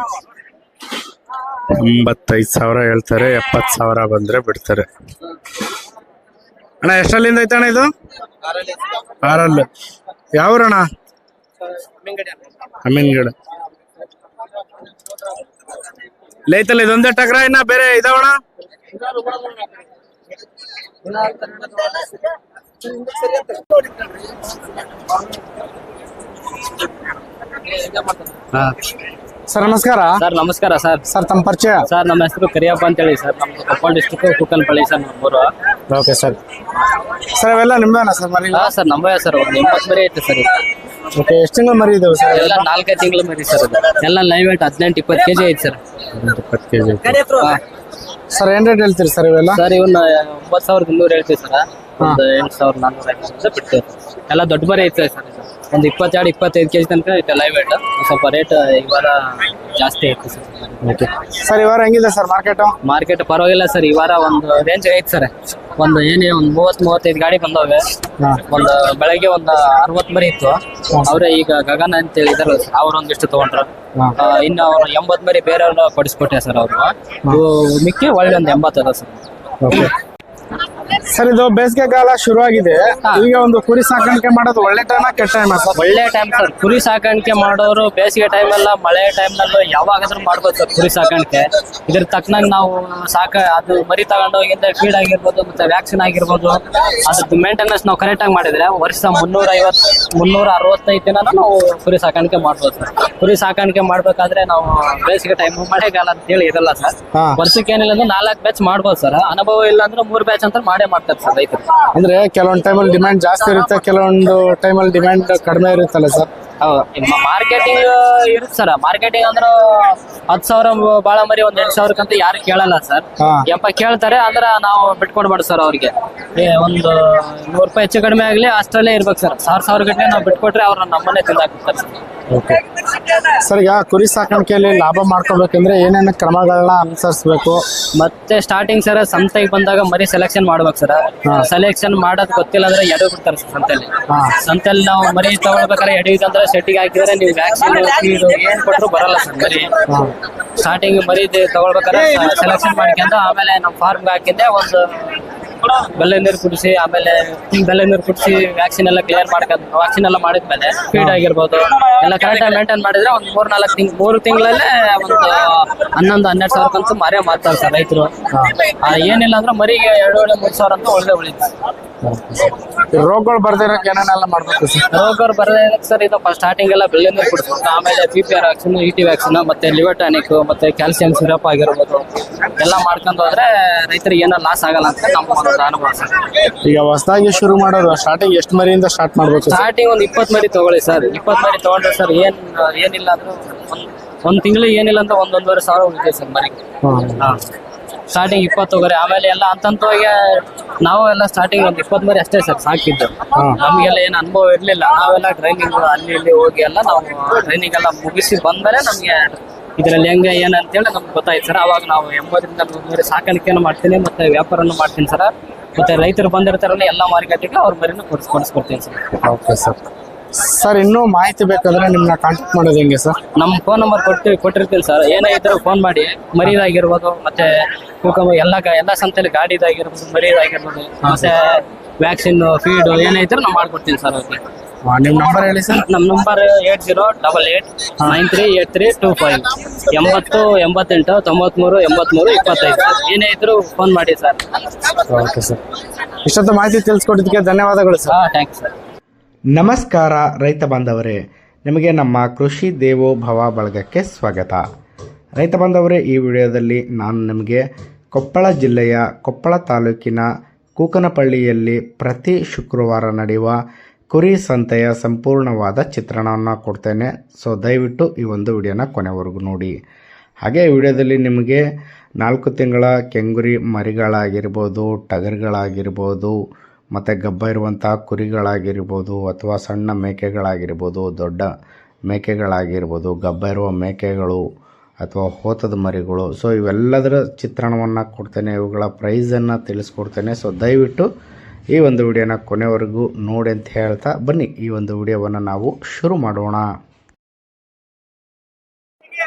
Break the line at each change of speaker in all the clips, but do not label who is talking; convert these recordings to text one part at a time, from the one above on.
85,000 ಹೇಳ್ತಾರೆ. 70,000 ಬಂದ್ರೆ ಬಿಡ್ತಾರೆ. ಅಣ್ಣ ಎಷ್ಟಲ್ಲಿಂದ ಐತೆ ಅಣ್ಣ ಇದು? 6. ಯಾವ್ರಣ್ಣ? ಅಮೀನ್ಗಡ. ಲೈತಲ್ಲ ಇದೊಂದೇ ಟಗ್ರ ಇನ್ನ ಬೇರೆ ಇದಾವಣ?
ಸರ್ ನಮಸ್ಕಾರ.
ಸರ್ ನಮಸ್ಕಾರ ಸರ್.
ಸರ್ ತಮ್ಮ ಪರಿಚಯ?
ಸರ್ ನಮ್ಮ ಹೆಸರು ಕರಿಯಪ್ಪ ಅಂತ ಹೇಳಿ ಸರ್. ನಮ್ದು ಕೊಪ್ಪಳ ಡಿಸ್ಟಿಕ್ ಕೂಕನಪಳ್ಳಿ ಸರ್ ನಮ್ಮೂರು.
Okay sir. ಸರ್ ಇವೆಲ್ಲ ನಿಮ್ದೇನಾ ಸರ್ ಮರಿ?
ಹಾ ಸರ್ ನಮ್ಮವೇ ಸರ್. ಒಂದು 80 ಮರಿ ಐತೆ ಸರ್.
ಓಕೆ ಎಷ್ಟು ತಿಂಗಳು ಮರಿ ಇದಾವೆ ಸರ್?
ಎಲ್ಲ 4-5 ತಿಂಗಳು ಮರಿ ಸರ್. ಎಲ್ಲ ಲೈವ್ ವೇಟ್ 18-20 kg ಐತೆ ಸರ್.
20 kg.
ಸರ್ ಏನ್ ರೇಟ್ ಹೇಳ್ತೀರಿ ಸರ್ ಇವೆಲ್ಲ?
ಸರ್ ಇವನ್ನ 9,200 ಹೇಳ್ತೀವಿ ಸರ್. ಒಂದು 8,400 ಬಿಡ್ತೇವೆ. ಎಲ್ಲ ದೊಡ್ಡ ಮರಿ ಐತೆ ಸರ್. ಒಂದು 22-25 kg ತನಕ ಐತೆ ಲೈವ್ ವೇಟ್. ಸ್ವಲ್ಪ ರೇಟ್ ಈ ವಾರ ಜಾಸ್ತಿ ಐತೆ ಸರ್.
Okay sir. ಈ ವಾರ ಹೆಂಗಿದೆ ಸರ್ ಮಾರ್ಕೆಟು?
ಮಾರ್ಕೆಟ್ ಪರವಾಗಿಲ್ಲ ಸರ್. ಈ ವಾರ ಒಂದು ರೇಂಜ್ ಐತೆ ಸರ್. ಒಂದು 30-35 ಗಾಡಿ ಬಂದವೆ. ಒಂದು ಬೆಳಗ್ಗೆ ಒಂದು 60 ಮರಿ ಇತ್ತು. ಅವ್ರೆ ಈಗ ಗಗನ ಅಂತ ಹೇಳಿದಾರೆ ಅವ್ರೊಂದಿಷ್ಟು ತಗೊಂಡ್ರು. ಇನ್ನು ಅವ್ರು 80 ಮರಿ ಬೇರೆಯವ್ರನ್ನ ಕೊಡಿಸ್ಕೊಟ್ಟೆ ಸರ್. ಅವರು ಮಿಕ್ಕಿ ಒಳ್ಳೆ ಒಂದು 80 ಅದ ಸರ್.
ಓಕೆ ಸರ್ ಇದು ಬೇಸಿಗೆ ಕಾಲ ಶುರು ಆಗಿದೆ. ಈಗ ಒಂದು ಕುರಿ ಸಾಕಾಣಿಕೆ ಮಾಡೋದು ಒಳ್ಳೆ ಟೈಮ್ ಕೆಟ್ಟ ಟೈಮ್ ಸರ್?
ಒಳ್ಳೆ ಟೈಮ್ ಸರ್. ಕುರಿ ಸಾಕಾಣಿಕೆ ಮಾಡೋರು ಬೇಸಿಗೆ ಟೈಮ್ ಎಲ್ಲ ಮಳೆ ಟೈಮ್ ನಲ್ಲೂ ಯಾವಾಗಾದ್ರೂ ಮಾಡ್ಬೋದು ಸರ್ ಕುರಿ ಸಾಕಾಣಿಕೆ. ಇದ್ರ ತಕ್ಕನಾಗ ನಾವು ಅದು ಮರಿ ತಗೊಂಡೋಗಿಂದ ಫೀಡ್ ಆಗಿರ್ಬೋದು ಮತ್ತೆ ವ್ಯಾಕ್ಸಿನ್ ಆಗಿರ್ಬೋದು ಅದ್ರದ್ದು ಮೇಂಟೆನೆನ್ಸ್ ನಾವು ಕರೆಕ್ಟ್ ಆಗಿ ಮಾಡಿದ್ರೆ ವರ್ಷ 365 ದಿನ ನಾವು ಕುರಿ ಸಾಕಾಣಿಕೆ ಮಾಡ್ಬೋದು ಸರ್. ಕುರಿ ಸಾಕಾಣಿಕೆ ಮಾಡ್ಬೇಕಾದ್ರೆ ನಾವು ಬೇಸಿಗೆ ಟೈಮ್ ಮಳೆಗಾಲ ಅಂತ ಹೇಳಿ ಇರಲ್ಲ ಸರ್. ವರ್ಷಕ್ಕೆ ಏನಿಲ್ಲ ಅಂದ್ರೆ 4 ಬ್ಯಾಚ್ ಮಾಡ್ಬೋದು ಸರ್. ಅನುಭವ ಇಲ್ಲ ಅಂದ್ರೆ 3 ಬ್ಯಾಚ್ ಅಂತ ಮಾಡೇ ಮಾಡ್ತಾರೆ ಸರ್ ರೈತರು. ಅಂದ್ರೆ
ಕೆಲವೊಂದು ಟೈಮಲ್ಲಿ ಡಿಮ್ಯಾಂಡ್ ಜಾಸ್ತಿ ಇರುತ್ತೆ, ಕೆಲವೊಂದು ಟೈಮಲ್ಲಿ ಡಿಮ್ಯಾಂಡ್ ಕಡಿಮೆ ಇರುತ್ತಲ್ಲ ಸರ್?
ಮಾರ್ಕೆಟಿಂಗ್ ಇರುತ್ತೆ ಸರ್. ಮಾರ್ಕೆಟಿಂಗ್ ಅಂದ್ರೆ 10,000 ಬಾಳ ಮರಿ ಒಂದ್ 8,000 ಯಾರು ಕೇಳಲ್ಲ ಸರ್. ಕೇಳ್ತಾರೆ ಅಂದ್ರೆ ನಾವು ಬಿಟ್ಕೊಡ್ಬಾರ್ದು ಸರ್. ಅವ್ರಿಗೆ ಒಂದು 100 ರೂಪಾಯಿ ಹೆಚ್ಚು ಕಡಿಮೆ ಆಗ್ಲಿ ಅಷ್ಟರಲ್ಲೇ ಇರ್ಬೇಕು ಸರ್. 1,000 ಗಟ್ಟಲೆ ನಾವು ಬಿಟ್ಕೊಟ್ರೆ ಅವ್ರ ನಮ್ಮನ್ನೇ ತಿಂದಾಕ್ತಾರೆ ಸರ್.
Okay sir. ಈಗ ಕುರಿ ಸಾಕಾಣಿಕೆಯಲ್ಲಿ ಲಾಭ ಮಾಡ್ಕೋಬೇಕಂದ್ರೆ ಏನೇನು ಕ್ರಮಗಳನ್ನ ಅನುಸರಿಸಬೇಕು?
ಮತ್ತೆ ಸ್ಟಾರ್ಟಿಂಗ್ ಸರ್ ಸಂತೆಗೆ ಬಂದಾಗ ಮರಿ ಸೆಲೆಕ್ಷನ್ ಮಾಡ್ಬೇಕು ಸರ್. ಸೆಲೆಕ್ಷನ್ ಮಾಡೋದು ಗೊತ್ತಿಲ್ಲ ಅಂದ್ರೆ ಎಡೆ ಬಿಡ್ತಾರೆ ಸರ್ ಸಂತೆಯಲ್ಲಿ. ಸಂತೆಯಲ್ಲಿ ನಾವು ಮರಿ ತಗೊಳ್ಬೇಕಾದ್ರೆ ಎಡವಿದಂದ್ರೆ ಸೆಟ್ಟಿಗೆ ಹಾಕಿದ್ರೆ ನೀವು ವ್ಯಾಕ್ಸಿನ್ ಏನ್ ಕೊಟ್ಟರು ಬರಲ್ಲ ಸರ್ ಮರಿ. ಸ್ಟಾರ್ಟಿಂಗ್ ಮರಿ ತಗೊಳ್ಬೇಕಾದ್ರೆ ಸೆಲೆಕ್ಷನ್ ಮಾಡ್ಕೊಂಡು ಆಮೇಲೆ ನಮ್ಮ ಫಾರ್ಮ್ಗೆ ಹಾಕಿದ್ದೆ ಒಂದು ಬೆಲ್ಲ ನೀರು ಕುಡಿಸಿ ಆಮೇಲೆ ವ್ಯಾಕ್ಸಿನ್ ಎಲ್ಲ ಕ್ಲಿಯರ್ ಮಾಡ್ಕೊಂಡು ವ್ಯಾಕ್ಸಿನ್ ಎಲ್ಲ ಮಾಡಿದ್ಮೇಲೆ ಫೀಡ್ ಆಗಿರ್ಬೋದು ಎಲ್ಲ ಕರೆಕ್ಟಾಗಿ ಮೇಂಟೈನ್ ಮಾಡಿದ್ರೆ ಒಂದು 3 ತಿಂಗಳಲ್ಲೇ ಒಂದು 11-12 ಸಾವಿರಕ್ಕಂತೂ ಮರಿ ಮಾರ್ತಾರೆ ಸರ್ ರೈತರು. ಏನಿಲ್ಲ ಅಂದ್ರೆ ಮರಿಗೆ 2,000-3,000 ಅಂತ ಒಳ್ಳೆ ಉಳಿತು.
ರೋಗಗಳು ಬರ್ದಿರಕ್ಕೆ ಏನೇನೆಲ್ಲ ಮಾಡ್ಬೇಕು ಸರ್?
ರೋಗಗಳು ಬರದೇ ಸರ್ ಇದು ಸ್ಟಾರ್ಟಿಂಗ್ ಎಲ್ಲ ಬೆಲ್ಲ ನೀರು ಕುಡಿಸ್ಬೇಕು. ಆಮೇಲೆ PPR ವ್ಯಾಕ್ಸಿನ್, ET ವ್ಯಾಕ್ಸಿನ್ ಮತ್ತೆ ಲಿವರ್ ಟಾನಿಕ್ ಮತ್ತೆ ಕ್ಯಾಲ್ಸಿಯಂ ಸಿರಪ್ ಆಗಿರ್ಬೋದು ಎಲ್ಲ ಮಾಡ್ಕೊಂಡು ಹೋದ್ರೆ ರೈತರಿಗೆ ಏನೋ ಲಾಸ್ ಆಗಲ್ಲ ಅಂತ ನಮ್ಮ ಒಂದು ಅನುಭವ ಸರ್.
ಈಗ ಹೊಸದಾಗಿ ಶುರು ಮಾಡೋರು ಸ್ಟಾರ್ಟಿಂಗ್ ಎಷ್ಟು ಮರಿಯಿಂದ ಸ್ಟಾರ್ಟ್ ಮಾಡ್ಬೇಕು?
ಸ್ಟಾರ್ಟಿಂಗ್ ಒಂದು 20 ಮರಿ ತಗೊಳ್ಳಿ ಸರ್. 20 ಮರಿ ತಗೊಂಡ್ರೆ ಸರ್ ಏನಿಲ್ಲ ಅಂದ್ರೆ ಒಂದ್ ತಿಂಗಳಿಗೆ ಏನಿಲ್ಲ ಅಂದ್ರೆ 1-1.5 ಸಾವಿರ ಉಳಿತೈತೆ ಸರ್ ಮರಿಗೆ. ಸ್ಟಾರ್ಟಿಂಗ್ 20 ತಗೋರಿ. ಆಮೇಲೆ ಎಲ್ಲ ಹಂತವಾಗಿ ನಾವು ಎಲ್ಲ ಸ್ಟಾರ್ಟಿಂಗ್ ಒಂದು 20 ಮರಿ ಅಷ್ಟೇ ಸರ್ ಸಾಕಿದ್ದು. ನಮ್ಗೆಲ್ಲ ಏನು ಅನುಭವ ಇರ್ಲಿಲ್ಲ. ನಾವೆಲ್ಲ ಟ್ರೈನಿಂಗ್ ಅಲ್ಲಿ ಇಲ್ಲಿ ಹೋಗಿ ಎಲ್ಲ ನಾವು ಟ್ರೈನಿಂಗ್ ಎಲ್ಲ ಮುಗಿಸಿ ಬಂದ್ಮೇಲೆ ನಮ್ಗೆ ಇದ್ರಲ್ಲಿ ಹೆಂಗೆ ಏನಂತೇಳಿ ನಮ್ಗೆ ಗೊತ್ತಾಯ್ತು ಸರ್. ಅವಾಗ ನಾವು 80-100 ಮರಿ ಸಾಕಾಣಿಕೆಯನ್ನು ಮಾಡ್ತೀನಿ ಮತ್ತೆ ವ್ಯಾಪಾರನೂ ಮಾಡ್ತೀನಿ ಸರ್. ಮತ್ತೆ ರೈತರು ಬಂದಿರ್ತಾರಲ್ಲ ಎಲ್ಲ ಮಾರ್ಕೆಟಿಗೆ ಅವ್ರ ಮರಿನೂ ಕೊಡಿಸ್ಕೊಡ್ತೀನಿ ಸರ್. Okay sir.
ಸರ್ ಇನ್ನೂ ಮಾಹಿತಿ ಬೇಕಂದ್ರೆ ನಿಮ್ಮನ್ನ ಕಾಂಟ್ಯಾಕ್ಟ್ ಮಾಡೋದು ಹೆಂಗೆ ಸರ್?
ನಮ್ಮ ಫೋನ್ ನಂಬರ್ ಕೊಟ್ಟಿರ್ತೀನಿ ಸರ್. ಏನಾಗಿದ್ರು ಫೋನ್ ಮಾಡಿ. ಮರಿದಾಗಿರ್ಬೋದು ಮತ್ತೆ ಎಲ್ಲ ಸಂತೆಯಲ್ಲಿ ಗಾಡಿದಾಗಿರ್ಬೋದು ಮರಿದಾಗಿರ್ಬೋದು ಮತ್ತೆ ವ್ಯಾಕ್ಸಿನ್ ಫೀಡ್ ಏನಾಯ್ತು ನಾವು ಮಾಡ್ಕೊಡ್ತೀನಿ ಸರ್ ಅವ್ರಿಗೆ.
ನಿಮ್ಮ ನಂಬರ್ ಹೇಳಿ ಸರ್.
ನಮ್ಮ ನಂಬರ್ 8088938325 8088 93 83 25. ಏನೇ ಇದ್ರು ಫೋನ್ ಮಾಡಿ ಸರ್.
Okay sir. ಇಷ್ಟೊತ್ತು ಮಾಹಿತಿ ತಿಳಿಸ್ಕೊಟ್ಟಿದ್ದಕ್ಕೆ ಧನ್ಯವಾದಗಳು ಸರ್.
Thanks sir.
ನಮಸ್ಕಾರ ರೈತ ಬಾಂಧವರೇ, ನಿಮಗೆ ನಮ್ಮ ಕೃಷಿ ದೇವೋಭವ ಬಳಗಕ್ಕೆ ಸ್ವಾಗತ. ರೈತ ಬಾಂಧವರೇ, ಈ ವಿಡಿಯೋದಲ್ಲಿ ನಾನು ನಿಮಗೆ ಕೊಪ್ಪಳ ಜಿಲ್ಲೆಯ ಕೊಪ್ಪಳ ತಾಲೂಕಿನ ಕೂಕನಪಳ್ಳಿಯಲ್ಲಿ ಪ್ರತಿ ಶುಕ್ರವಾರ ನಡೆಯುವ ಕುರಿ ಸಂತೆಯ ಸಂಪೂರ್ಣವಾದ ಚಿತ್ರಣವನ್ನು ಕೊಡ್ತೇನೆ. ಸೊ ದಯವಿಟ್ಟು ಈ ಒಂದು ವಿಡಿಯೋನ ಕೊನೆವರೆಗೂ ನೋಡಿ. ಹಾಗೆ ಈ ವಿಡಿಯೋದಲ್ಲಿ ನಿಮಗೆ 4 ತಿಂಗಳ ಕೆಂಗುರಿ ಮರಿಗಳಾಗಿರ್ಬೋದು, ಟಗರುಗಳಾಗಿರ್ಬೋದು, ಮತ್ತು ಗಬ್ಬ ಇರುವಂಥ ಕುರಿಗಳಾಗಿರ್ಬೋದು ಅಥವಾ ಸಣ್ಣ ಮೇಕೆಗಳಾಗಿರ್ಬೋದು, ದೊಡ್ಡ ಮೇಕೆಗಳಾಗಿರ್ಬೋದು, ಗಬ್ಬ ಇರುವ ಮೇಕೆಗಳು ಅಥವಾ ಹೋತದ ಮರಿಗಳು, ಸೊ ಇವೆಲ್ಲದರ ಚಿತ್ರಣವನ್ನು ಕೊಡ್ತೇನೆ. ಇವುಗಳ ಪ್ರೈಸನ್ನು ತಿಳಿಸ್ಕೊಡ್ತೇನೆ. ಸೊ ದಯವಿಟ್ಟು ಈ ಒಂದು ವಿಡಿಯೋನ ಕೊನೆವರೆಗೂ ನೋಡಿ ಅಂತ ಹೇಳ್ತಾ ಬನ್ನಿ ಈ ಒಂದು ವಿಡಿಯೋವನ್ನು ನಾವು ಶುರು ಮಾಡೋಣ.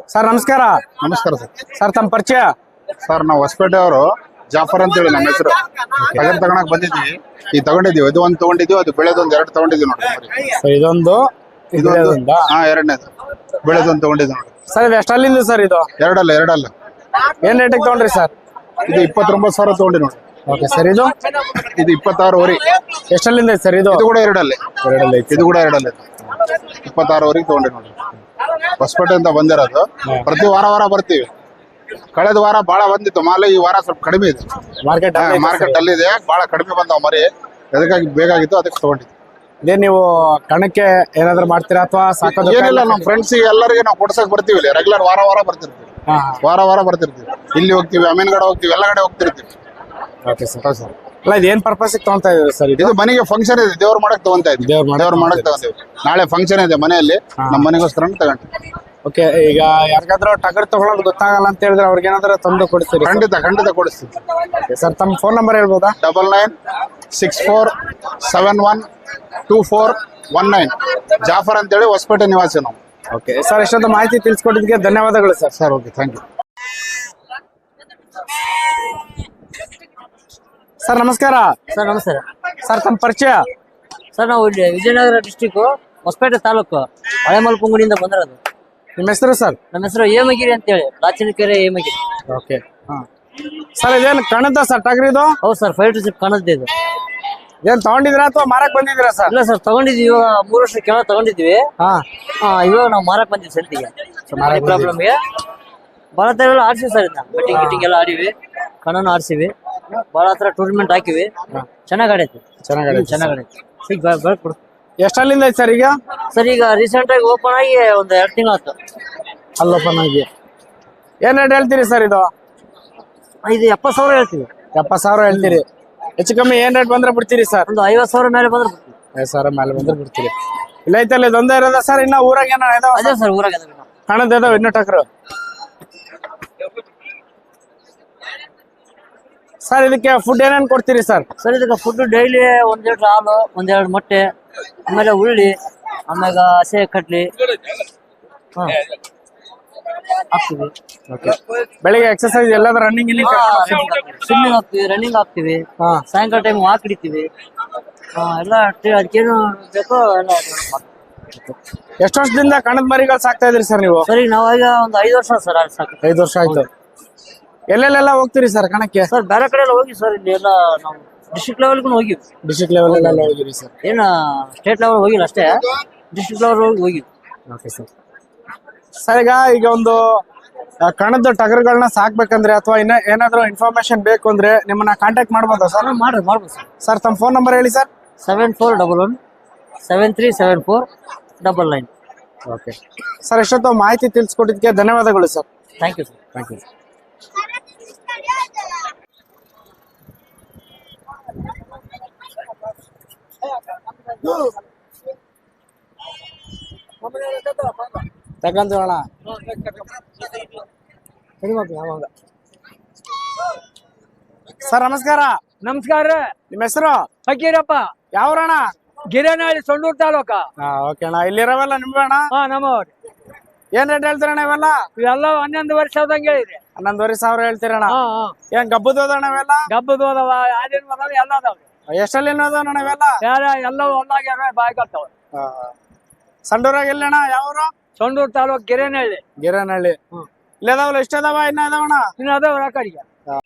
ಸರ್ ನಮಸ್ಕಾರ.
ನಮಸ್ಕಾರ ಸರ್.
ಸರ್ ತಮ್ಮ ಪರಿಚಯ?
ಸರ್ ನಾವು ಹೊಸಪೇಟೆ ಅವರು, ಜಾಫರ್ ಅಂತ ಹೇಳಿ ನಮ್ಮ ಹೆಸರು. ಟಗರ್ ತಗೊಳಕ್ ಬಂದಿದ್ವಿ, ಈ ತಗೊಂಡಿದೀವಿ. ಇದು ಒಂದು ತಗೊಂಡಿದ್ವಿ, ಅದು ಬೆಳೆದೊಂದು 2 ತಗೊಂಡಿದ್ವಿ ನೋಡಿ.
ಸರ್ ಇದೊಂದು
ಹಾ, 2ನೇದು ಬೆಳೆದೊಂದು ತಗೊಂಡಿದ್ವಿ ನೋಡಿ.
ಸರ್ ಇದು ಎಷ್ಟಲ್ಲಿಂದ ಸರ್ ಇದು?
ಎರಡಲ್ಲ.
ಏನ್ ರೇಟಿಗೆ ತಗೊಂಡ್ರಿ ಸರ್?
ಇದು 29,000 ತಗೊಂಡಿ ನೋಡಿ.
Okay sir. ಇದು
26
ಎಷ್ಟಲ್ಲಿಂದ ಐತೆ ಸರ್ ಇದು?
ಇದು ಕೂಡ ಎರಡಲ್ಲೇ. ಇದು ಕೂಡ ಎರಡಲ್ಲೇ 26 ತಗೊಂಡಿ ನೋಡಿ. ಹೊಸಪೇಟೆಯಿಂದ ಬಂದಿರೋದು. ಪ್ರತಿ ವಾರ ಬರ್ತೀವಿ. ಕಳೆದ ವಾರ ಬಹಳ ಬಂದಿತ್ತು ಮಾಲು, ಈ ವಾರ ಸ್ವಲ್ಪ ಕಡಿಮೆ ಇದೆ. ಮಾರ್ಕೆಟ್ ಅಲ್ಲಿ ಇದೆ, ಬಹಳ ಕಡಿಮೆ ಬಂದವ ಮರಿ. ಅದಕ್ಕಾಗಿ ಬೇಕಾಗಿತ್ತು, ಅದಕ್ಕೆ ತಗೊಂಡಿದ್ವಿ.
ಇದೇ ನೀವು ಕಣಕ್ಕೆ ಏನಾದ್ರು ಮಾಡ್ತೀರಾ ಅಥವಾ ಸಾಕೋದು?
ಏನಿಲ್ಲ, ನಮ್ಮ ಫ್ರೆಂಡ್ಸ್ ಎಲ್ಲರಿಗೆ ನಾವು ಕೊಡ್ಸಕ್ ಬರ್ತೀವಿ. ಇಲ್ಲಿ ರೆಗ್ಯುಲರ್ ವಾರ ಬರ್ತಿರ್ತೀವಿ. ವಾರ ಬರ್ತಿರ್ತೀವಿ. ಇಲ್ಲಿ ಹೋಗ್ತೀವಿ, ಅಮೀನ್ಗಡ ಹೋಗ್ತೀವಿ, ಎಲ್ಲ ಕಡೆ ಹೋಗ್ತಿರ್ತೀವಿ.
Okay sir. ಸರ್ ಅಲ್ಲ, ಇದು ಏನ್ ಪರ್ಪಸ್ ತಗೊಂತಾ ಇದ್ದೀರಿ ಸರ್?
ಇದು ಮನೆಗೆ ಫಂಕ್ಷನ್ ಇದೆ, ದೇವ್ರ ಮಾಡಕ್ ತಗೊಂತ ಇದ್ದೀವಿ. ದೇವ್ರ ಮಾಡಕ್ ತಗೊಂತೀವಿ. ನಾಳೆ ಫಂಕ್ಷನ್ ಇದೆ ಮನೆಯಲ್ಲಿ, ನಮ್ಮ ಮನೆಗೋಸ್ಕರ ತಗೊಂಡು.
ಓಕೆ, ಈಗ ಯಾರಿಗಾದ್ರೂ ಟಗರ್ ತಗೊಳ್ಳೋದು ಗೊತ್ತಾಗಲ್ಲ ಅಂತ ಹೇಳಿದ್ರೆ ಅವ್ರಿಗೆ ಏನಾದ್ರು ತಂದು ಕೊಡ್ತೀರಿ?
ಖಂಡಿತ ಕೊಡಿಸ್ತೀವಿ.
ಸರ್ ತಮ್ಮ ಫೋನ್ ನಂಬರ್ ಹೇಳ್ಬೋದಾ?
9964712419. ಜಾಫರ್ ಅಂತೇಳಿ ಹೊಸಪೇಟೆ ನಿವಾಸಿ ನಾವು.
ಓಕೆ ಸರ್, ಇಷ್ಟೊಂದು ಮಾಹಿತಿ ತಿಳಿಸ್ಕೊಟ್ಟಿದ್ದಕ್ಕೆ ಧನ್ಯವಾದಗಳು sir.
Sir okay, thank you.
Sir ನಮಸ್ಕಾರ.
ಸರ್ ನಮಸ್ಕಾರ.
ಸರ್ ತಮ್ಮ ಪರಿಚಯ?
ಸರ್ ನಾವು ಇಲ್ಲಿ ವಿಜಯನಗರ ಡಿಸ್ಟಿಕ್ ಹೊಸಪೇಟೆ ತಾಲೂಕು ಹಳೆಮಲ್ಪುಂಗುಡಿಯಿಂದ ಬಂದಿರೋದು.
ನಿಮ್ಮ ಹೆಸರು ಸರ್? ನಮ್ಮ
ಹೆಸರು ಹೇಮಗಿರಿ ಅಂತೇಳಿ, ಪ್ರಾಚೀನಕೆರೆ ಹೇಮಗಿರಿ.
ಓಕೆ. ಸರ್ ಇದೇನು ಕಣದ ಸರ್ ಟಗರ್ ಇದು?
ಹೌದು ಸರ್, 5 to 6 ಕಣದ್ದು ಇದು.
ಏನ್ ತಗೊಂಡಿದ್ರಾ ಅಥವಾ ಮಾರಕ್ ಬಂದಿದ್ದೀರಾ ಸರ್?
ಇಲ್ಲ ಸರ್, ತಗೊಂಡಿದ್ವಿ. ಇವಾಗ 3 ವರ್ಷ ಕೆಳ ತಗೊಂಡಿದ್ವಿ. ಇವಾಗ ನಾವು ಮಾರಕ್ ಬಂದಿವಿ ಸಂತಿಗೆ. ಪ್ರಾಬ್ಲಮ್ಗೆ ಬಹಳ ತರ ಎಲ್ಲ ಆಡ್ಸಿವಿ ಸರ್. ಇದನ್ನ ಬೆಟ್ಟಿಂಗ್ ಗಿಟ್ಟಿಂಗ್ ಎಲ್ಲ ಆಡಿವಿ, ಕಣನು ಆಡ್ಸಿವಿ, ಬಹಳ ಹತ್ರ ಟೂರ್ನಮೆಂಟ್ ಹಾಕಿವಿ. ಚೆನ್ನಾಗ್ ಆಡೈತಿ. ಬೆಳ್ಕೊಡು.
ಎಷ್ಟಲ್ಲಿಂದ ಐತಿ ಸರ್ ಈಗ?
ಸರ್ ಈಗ ರೀಸೆಂಟ್ ಆಗಿ ಓಪನ್ ಆಗಿ ಒಂದು 2 ತಿಂಗಳು ಆಯ್ತು.
ಅಲ್ಲಿ ಓಪನ್ ಆಗಿ ಏನ್ ರೇಟ್ ಹೇಳ್ತೀರಿ ಸರ್ ಇದು?
ಇದು 70,000 ಹೇಳ್ತೀವಿ.
70,000 ಹೇಳ್ತೀರಿ. ಹೆಚ್ಚು ಕಮ್ಮಿ ಏನ್ ರೇಟ್ ಬಂದ್ರೆ ಬಿಡ್ತೀರಿ ಸರ್?
ಒಂದು 50,000 ಮೇಲೆ ಬಂದ್ರೆ ಬಿಡ್ತೀವಿ.
50,000 ಮೇಲೆ ಬಂದ್ರೆ ಬಿಡ್ತೀರಿ. ಇಲ್ಲ ಐತಲ್ಲ, ಇದೊಂದೇ ಇರೋದ ಸರ್? ಇನ್ನ ಊರಾಗ ಏನೋ ಇದಾವ?
ಅದೇ ಸರ್, ಊರಾಗ
ಹಣದ ಇದಾವ ಇನ್ನೂ ಟಗರು? ಸರ್ ಇದಕ್ಕೆ ಫುಡ್ ಏನೇನು ಕೊಡ್ತೀರಿ ಸರ್?
ಸರ್ ಇದಕ್ಕೆ ಫುಡ್ ಡೈಲಿ 1 ಲೀಟರ್ ಹಾಲು, 1-2 ಮೊಟ್ಟೆ, ಆಮೇಲೆ ಉಳ್ಳಿ, ಆಮ್ಯಾಗ ಹಸೆ ಕಟ್ಲಿ ಹಾಕ್ತಿವಿ.
ಬೆಳಿಗ್ಗೆ ಎಕ್ಸರ್ಸೈಸ್ ಎಲ್ಲಾದ್ರೂ ರನ್ನಿಂಗ್
ಸ್ವಿಮ್ಮಿಂಗ್ ಹಾಕ್ತಿವಿ, ರನ್ನಿಂಗ್ ಹಾಕ್ತಿವಿ. ಸಾಯಂಕಾಲ ಟೈಮ್ ವಾಕ್ ಹಿಡಿತೀವಿ. ಎಲ್ಲ ಅದಕ್ಕೇನು ಬೇಕೋ ಎಲ್ಲ.
ಎಷ್ಟು ವರ್ಷದಿಂದ ಕಣದ ಮರಿಗಳು ಸಾಕ್ತಾ ಇದ್ರಿ ಸರ್ ನೀವು?
ಸರಿ, ನಾವಾಗ ಒಂದು 5 ವರ್ಷ ಸರ್.
5 ವರ್ಷ ಆಯ್ತು. ಎಲ್ಲೆಲ್ಲೆಲ್ಲ ಹೋಗ್ತೀರಿ ಸರ್ ಕಣಕ್ಕೆ?
ಸರ್ ಬೇರೆ ಕಡೆ ಎಲ್ಲ ಹೋಗಿ ಸರ್. ಇಲ್ಲಿ ಎಲ್ಲ ನಾವು ಡಿಸ್ಟ್ರಿಕ್ಟ್ ಲೆವೆಲ್ಗೂ ಹೋಗಿವಿ.
ಡಿಸ್ಟ್ರಿಕ್ಟ್ ಲೆವೆಲ್ ಎಲ್ಲ ಹೋಗಿರಿ ಸರ್?
ಏನ ಸ್ಟೇಟ್ ಲೆವೆಲ್ ಹೋಗಿಲ್ಲ ಅಷ್ಟೇ, ಡಿಸ್ಟ್ರಿಕ್ಟ್ ಲೆವೆಲ್ ಹೋಗಿವಿ.
Okay sir. ಸರ್ ಈಗ ಒಂದು ಕಣದ ಟಗರುಗಳನ್ನ ಸಾಕ್ಬೇಕಂದ್ರೆ ಅಥವಾ ಏನಾದ್ರು ಇನ್ಫಾರ್ಮೇಶನ್ ಬೇಕು ಅಂದ್ರೆ ನಿಮ್ಮನ್ನ ಕಾಂಟ್ಯಾಕ್ಟ್ ಮಾಡ್ಬೋದಾ ಸರ್?
ಮಾಡ್ಬೋದು ಸರ್.
ಸರ್ ತಮ್ಮ ಫೋನ್ ನಂಬರ್ ಹೇಳಿ ಸರ್.
7411737499.
ಓಕೆ ಸರ್, ಎಷ್ಟೊತ್ತು ಮಾಹಿತಿ ತಿಳಿಸ್ಕೊಟ್ಟಿದ್ದಕ್ಕೆ ಧನ್ಯವಾದಗಳು sir.
Thank you sir.
Thank you. ತಗೊಂಡು ಸರ್ ನಮಸ್ಕಾರ.
ನಮಸ್ಕಾರ.
ನಿಮ್ಮ ಹೆಸರು?
ಫಕೀರಪ್ಪ.
ಯಾವ್ರಣ?
ಗಿರೇನಹಳ್ಳಿ, ಸೊಂಡೂರು ತಾಲೂಕ.
ಓಕೆ ಅಣ್ಣ. ಇಲ್ಲಿರೋವೆಲ್ಲ ನಿಮ್ಗೆ ಅಣ್ಣ?
ನಮ್ಮವ್ರಿ.
ಏನ್ ರೇಟ್ ಹೇಳ್ತೀರಣ್ಣ ಇವೆಲ್ಲ?
ಇವೆಲ್ಲ 11,000 ಸಾವಿರದಂಗೆ ಹೇಳಿರಿ.
11,500 ಹೇಳ್ತೀರಣ್ಣ? ಏನ್ ಗಬ್ಬದೋದಣ್ಣ ಇವೆಲ್ಲ?
ಗಬ್ಬದು ಅದಾವ, ಆದಿನ ಅದಾವ, ಎಲ್ಲ ಅದಾವ್ರಿ.
ಎಷ್ಟಲ್ಲಿ ಅದಾವಣ್ಣ ಇವೆಲ್ಲ?
ಎಲ್ಲ ಒಂದಾಗ್ಯಾರ, ಬಾಯ್ ಕಟ್ತಾವ.
ಸಂಡೂರಾಗ ಎಲ್ಲಣ್ಣ? ಯಾವ್ರು?
ಸೊಂಡೂರು ತಾಲೂಕ್ ಗಿರೇನಹಳ್ಳಿ.
ಗಿರೇನಹಳ್ಳಿ. ಇಲ್ಲ ಅದಾವಲ್ಲ? ಎಷ್ಟು ಅದಾವ? ಇನ್ನ ಅದಾವಣ್ಣ?
ಇನ್ನು ಅದಾವ ಆ ಕಡೆಗೆ.